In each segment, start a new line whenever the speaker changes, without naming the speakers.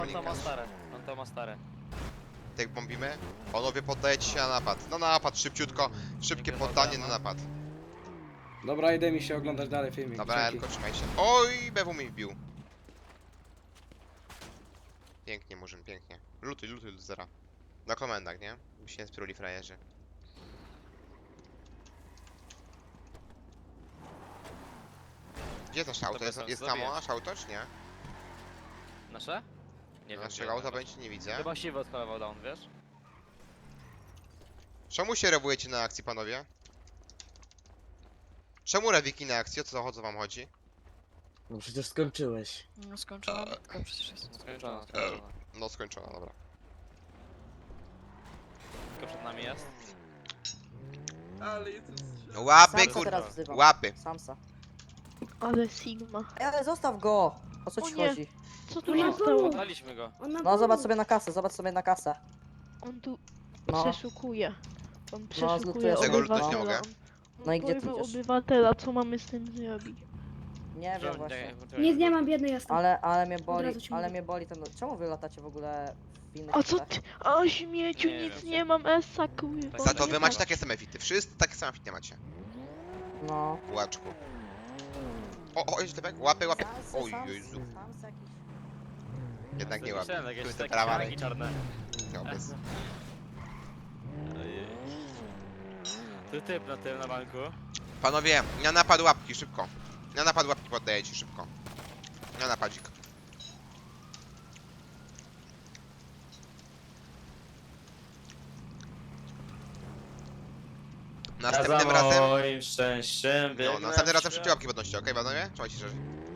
On to ma stare.
Tak bombimy. Panowie, poddajecie się na napad. Na napad, szybciutko. Szybkie poddanie na napad.
Dobra, idę mi się oglądać dalej filmik.
Dobra,
Dzięki.
Elko, trzymaj się. Oj, BW mi wbił. Pięknie, Murzyn, pięknie. Lutuj, lutuj do zera. Na komendach, nie? By się nie spruli frajerzy. Gdzie jest nasze auto?
Dobra,
Jest,
sam
jest
zrobię.
samo nasze auto, czy nie?
Nasze? Nie wiem.
Naszego auta będzie nie widzę.
Chyba siwy odkolował down, wiesz?
Czemu się rewujecie na akcji, panowie? Czemu rewiki na akcji? O co wam chodzi?
No przecież skończyłeś.
No skończona bitka przecież jest.
Skończona.
No skończona, dobra.
Tylko przed nami jest.
Łapy,
Samsa
kurwa.
teraz wzywam.
Łapy.
Samsa.
Ale Sigma.
Ej, ale zostaw go! O co
O
ci
nie.
chodzi?
Co tu się stało?
Oddaliśmy go.
No zobacz sobie na kasę, zobacz sobie na kasę.
On tu
No.
przeszukuje. On
zlutujesz
przeszukuje
Tego
lutować
nie
obywatela.
mogę.
No i gdzie ty
porwał
idziesz?
obywatela, co mamy z tym zrobić?
Nie wiem właśnie.
Nic nie mam, biedny jestem.
Ale mnie
Od
boli,
razu ci
ale
mówię.
mnie boli ten... Czemu wy latacie w ogóle w innych
A co
światach?
ty? A śmieciu,
Nie
nic
wiem.
nie mam, Essa kurwa.
Za to
nie
wy
ma.
macie takie same fity. Wszyscy takie same fity macie.
No.
Łaczku. O, jest typek? Łapy, łapy.
Samsy,
Oj,
samsy,
Jezu.
samsy jakieś.
Jednak nie łapy.
Myślałem,
Tu
jakieś
jest
takie
prawa
śniegi czarne.
No, bez...
Tu typ na tym, na banku.
Panowie, na napad łapki, szybko. Na napad łapki poddajecie, szybko. Na napadzik. Następnym razem...
moim szczęściem
No, następnym razem szybciej łapki podnoście, okej, panowie? Trzymajcie się.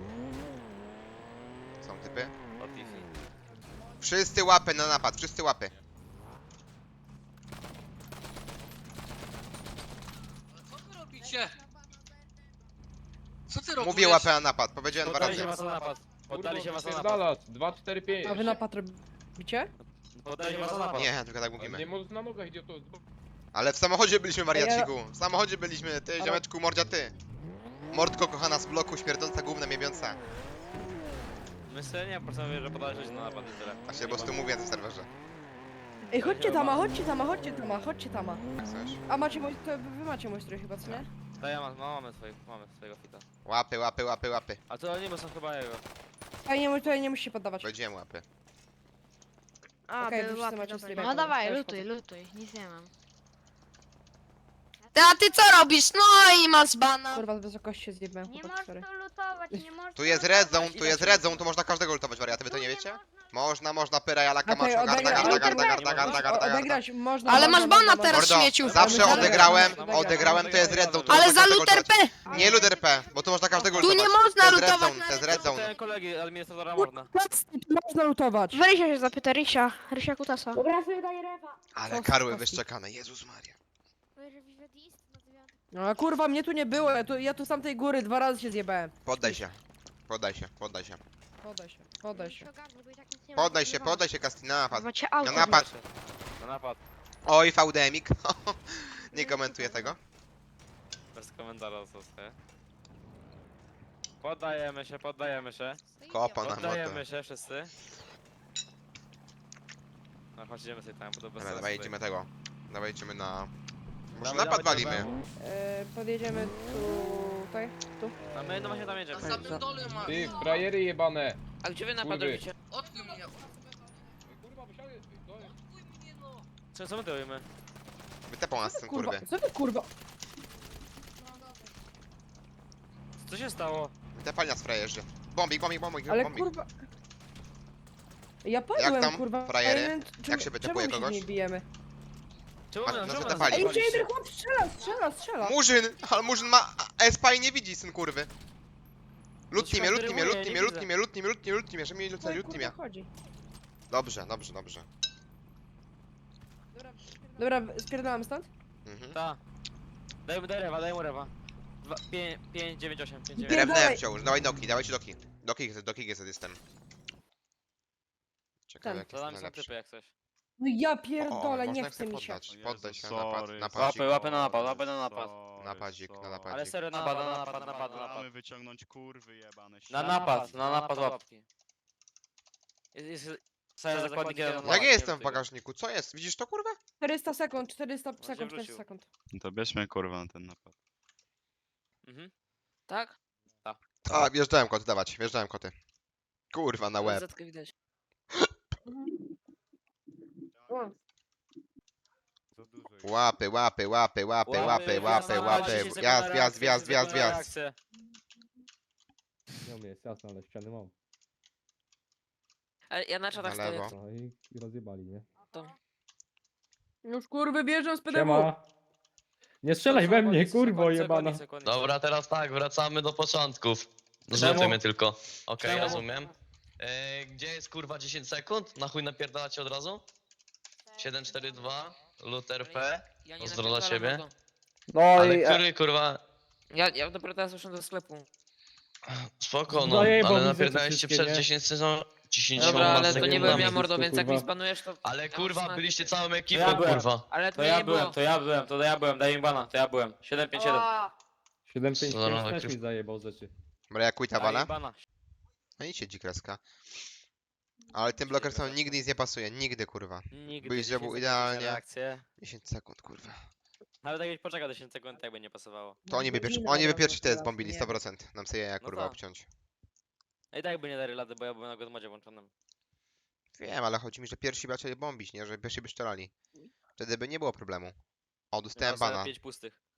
Są typy. Wszyscy łapy na napad, wszyscy łapy.
Co wy robicie? Co ty robisz?
Mówię łapę na napad, powiedziałem dwa
Poddali się
razy.
was na napad. Poddali się was na napad.
Pierdalać, 2, 4, 5.
A wy napad robicie?
Poddali się was na napad.
Nie, tylko tak
Nie
mówimy.
możesz na nogach, idioto.
Ale w samochodzie byliśmy, wariaciku. W samochodzie byliśmy, ty, ziomeczku, mordzia, ty. Mordko kochana z bloku, śmierdząca, gówna, miewiąca.
Myślę, nie, po prostu mówię, że poddali się na napad i tyle.
A się po prostu mówię na tym serwerze.
Ej, chodźcie tama, chodźcie tama, chodźcie tama, chodźcie tama.
Jak coś.
A macie mój, to wy macie mój strój chyba, co nie?
To ja mamy swojego fita.
Łapy, łapy, łapy, łapy.
A to oni, bo są chyba jego.
Tutaj nie musicie poddawać.
Powiedziałem łapy.
A,
Okej,
były
wszyscy
łapy,
macie
dobra.
streama.
No dawaj,
Też
lutuj, lutuj, nic nie mam.
A ty co robisz? No i masz bana.
Kurwa, z wysokości się zjebałem,
Nie
chłopak, sorry.
możesz tu lutować, nie możesz
Tu jest red zone, tu jest red zone, tu można każdego lutować, wariaty, wy to nie wiecie? Można, pyra, jalaka,
Okej,
maszo, garda,
odegrać,
garda.
odegrać można.
Ale
można,
masz bana
można,
teraz,
Mordo,
śmieciu.
zawsze
Dobra,
odegrałem, to jest red zone, tu
Ale
można
za
każdego
luter
lutować.
P!
Nie luter P, bo tu można każdego
Tu
lutować.
nie można
To jest red
lutować
zone, to jest red zone.
Te kolegi administratora można.
Można lutować.
Rysia się zapyta, Rysia Kutasa.
Dobra, ja sobie daję rewa.
Ale karły wyszczekane, Jezus Maria.
No a kurwa, mnie tu nie było, ja tu z tamtej góry 2 razy się zjebałem.
Poddaj się. Poddaj się.
Podaj się, podaj się.
Poddaj się, Kasti, na napad.
Macie
Na
auto.
napad.
Na napad.
Oj, VDMik. Nie komentuję tego.
Bez komentarza zostaje. Poddajemy się.
Kopa na motę.
Poddajemy się wszyscy. No chodź, idziemy sobie tam, bo to bez
Dobra,
sensu
dawaj
tutaj.
idziemy tego. Dawaj idziemy na... Może
Dawaj,
napad
dawaj,
walimy.
Podjedziemy tutaj, tu.
A my no właśnie tam jedziemy.
Na samym dole masz.
Ty, frajery jebane.
Ale gdzie wy
napad robicie?
Odkuj mnie.
Kurwa, wysiadaj,
Odkuj mnie no.
Co my to robimy?
Wytepą nas ten
Kurwa,
kurwy.
co ty kurwa?
Co się stało?
Wytepali nas frajerzy. Bombik.
Ale kurwa... Ja padłem,
Jak tam,
kurwa.
frajery?
Ja nie wiem,
Jak się wytepuje
czemu my
kogoś?
nie bijemy?
Czemu
Masz-
nas
nas
czemu
wytapali.
Ej,
wytapaliście?
gdzie jeden chłop strzela!
Murzyn! Ale Murzyn ma espa i nie widzi, syn kurwy. Lutni mnie, żeby mnie
Oj,
lutni mnie.
kurwa, chodzi.
Dobrze.
Dobra, spierdalamy stąd?
Mhm.
Ta. Daj mu rewa. 5, 9, 8, 5, 9.
Pierdolę.
Drewnęłem wciąż, dawajcie doki. Doki GZ jestem. Ciekawe
Ten.
jak
To
jest
tam są
najlepszy.
typy jak coś.
No ja
O,
pierdolę, nie
można
chce mi się.
poddać. Poddaj się na
sorry.
napadzik.
Łapy na napad, łapy na napad.
Napadzik.
Ale serio, na napad.
Mamy wyciągnąć kurwy jebane.
Na napad łapki. Staję zakładnik jeden.
Jak ja jestem w bagażniku? Co jest? Widzisz to kurwa?
400 sekund, 400
się
sekund, 400
wrócił.
sekund.
To bierzmy kurwa na ten napad.
Mhm.
Tak?
A, wjeżdżałem koty, dawać, wjeżdżałem koty. Kurwa, na łeb.
Zetkę widać.
Łapy, łapy, łapy, łapy, łapy, łapy, łapy. Wjazd, wjazd, wjazd, wjazd, wjazd.
Nie umie, jest jasne, ale ściany mam.
Ale ja na czatach
Na
stoję.
lewo.
No i rozjebali, nie?
Już kurwy bierzą z PDW.
Siema! Nie strzelaj we mnie, kurwo jebana!
Dobra,
teraz tak, wracamy do początków.
Zrzuty mnie
tylko. Okej,
Czemu?
rozumiem. Gdzie jest kurwa 10 sekund? Na chuj napierdalacie od razu? 742, Luther P.
Ja
Pozdro dla
napierdalam
ciebie.
mordo.
No
Ale
i...
który kurwa...
Ja dopiero teraz wyszłem do sklepu.
Spoko, no,
Zajebał mi
ale
rzeczy
napierdaliście
wszystkie,
przed
nie?
10 sezon... 10
Dobra, ale to nie
sekundami.
byłem ja mordo,
Wszystko,
więc jak
kurwa.
mi spanujesz to...
Ale
Ja
kurwa,
mam
byliście
smakę.
całą
ja
ekipą,
byłem.
kurwa.
Ale to,
To
nie
ja
było.
byłem, to ja byłem, daj im bana, to ja byłem. 757.
755
Co
też
za
mi zajebał rzeczy.
Dobra, ja quita
Daj im
bana.
bana.
No idźcie dzikreska. Ale tym blokersom nigdy nic nie pasuje, nigdy kurwa.
Nigdy
Byś
10
zrobił
sekund
idealnie.
na reakcję.
10 sekund kurwa.
Nawet jakbyś poczekał 10 sekund, tak by nie pasowało.
To oni by pierwsi te zbombili 100%. Nam sobie jaja
No
kurwa
tak.
obciąć.
I tak by nie dali rady, bo ja byłem na godmodzie włączonym.
Wiem, ale chodzi mi, że pierwsi by zaczęli bombić, nie? Że pierwsi by strzelali. Wtedy by nie było problemu. O, dostałem bana.
5 pustych.